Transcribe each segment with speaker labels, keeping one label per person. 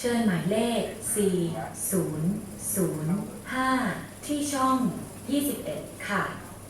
Speaker 1: เชิญหมายเลข 4005 ที่ช่อง 21 ค่ะ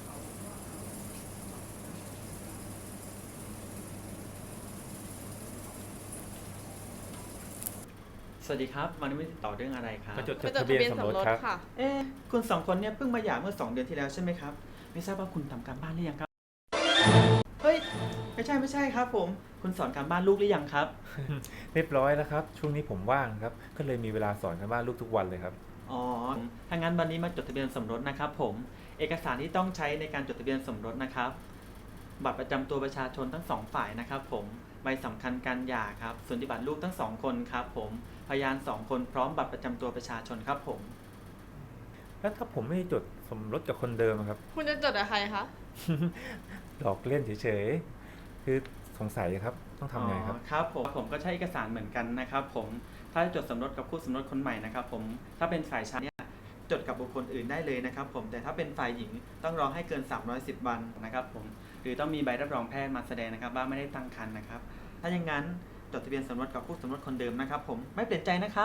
Speaker 2: สวัสดีครับวันนี้ไม่ติดต่อเรื่องอะไรครับ
Speaker 3: มาจดทะเบียนสมรสครับ
Speaker 4: ค่ะ
Speaker 2: คุณสองคนเนี่ยเพิ่งมาหย่าเมื่อ2 เดือนที่แล้วใช่ไหมครับไม่ทราบว่าคุณทำการบ้านหรือยังครับเฮ้ยไม่ใช่ครับผมคุณสอนการบ้านลูกหรือยังครับ
Speaker 3: เรียบร้อยแล้วครับช่วงนี้ผมว่างครับก็เลยมีเวลาสอนกันบ้านลูกทุกวันเลยครับ
Speaker 2: อ๋อถ้างั้นวันนี้มาจดทะเบียนสมรสนะครับผมเอกสารที่ต้องใช้ในการจดทะเบียนสมรสนะครับบัตรประจำตัวประชาชนทั้ง2 ฝ่ายนะครับผมใบสำคัญการหย่าครับส่วนที่บัตรลูกทั้ง2 คนครับผมพยาน2 คนพร้อมบัตรประจำตัวประชาชนครับผม
Speaker 3: แล้วถ้าผมไม่ได้จดสมรสกับคนเดิมอะครับ
Speaker 4: คุณจะจดกับใครคะ
Speaker 3: หลอกเล่นเฉยๆคือสงสัยครับต้องทำไงครับ
Speaker 2: ครับผมก็ใช้เอกสารเหมือนกันนะครับผมถ้าจะจดสมรสกับคู่สมรสคนใหม่นะครับผมถ้าเป็นฝ่ายชายเนี่ยจดกับบุคคลอื่นได้เลยนะครับผมแต่ถ้าเป็นฝ่ายหญิงต้องรอให้เกิน310 วันนะครับผมหรือต้องมีใบรับรองแพทย์มาแสดงนะครับว่าไม่ได้ตั้งครรภ์นะครับถ้าอย่างนั้นจดทะเบียนสมรสกับคู่สมรสคนเดิมนะครับผมไม่เปลี่ยนใจนะครับ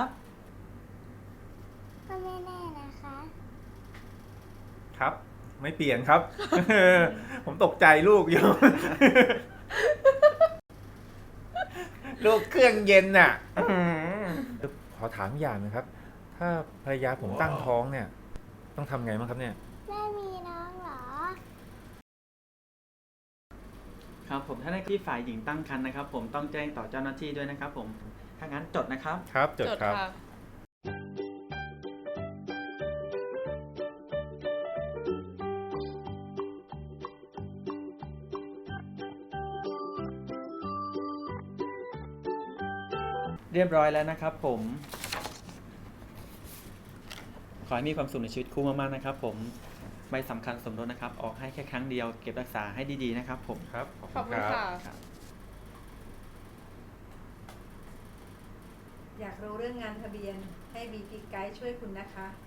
Speaker 5: ก็ไม่แน่นะคะ
Speaker 3: ครับ ไม่เปลี่ยนครับ ผมตกใจลูกอยู่ ลูกเครื่องเย็นน่ะขอถามอย่างนะครับ ถ้าภรรยาผมตั้งท้องเนี่ย ต้องทำไงบ้างครับเนี่ย
Speaker 5: แม่มีน้องเหรอ
Speaker 2: ครับผมถ้าในที่ฝ่ายหญิงตั้งครรภ์นะครับผมต้องแจ้งต่อเจ้าหน้าที่ด้วยนะครับผมถ้างั้นจดนะครับ
Speaker 3: ครับจดครับ
Speaker 4: ค่ะ
Speaker 2: เรียบร้อยแล้วนะครับผมขอให้มีความสุขในชีวิตคู่มากๆนะครับผมใบสำคัญสมรสนะครับออกให้แค่ครั้งเดียวเก็บรักษาให้ดีๆนะครับผม
Speaker 3: ครับ
Speaker 4: ขอบคุณค่ะ
Speaker 2: ครับ
Speaker 6: อยากรู้เรื่องงานทะเบียนให้ BP Guide ช่วยคุณนะคะ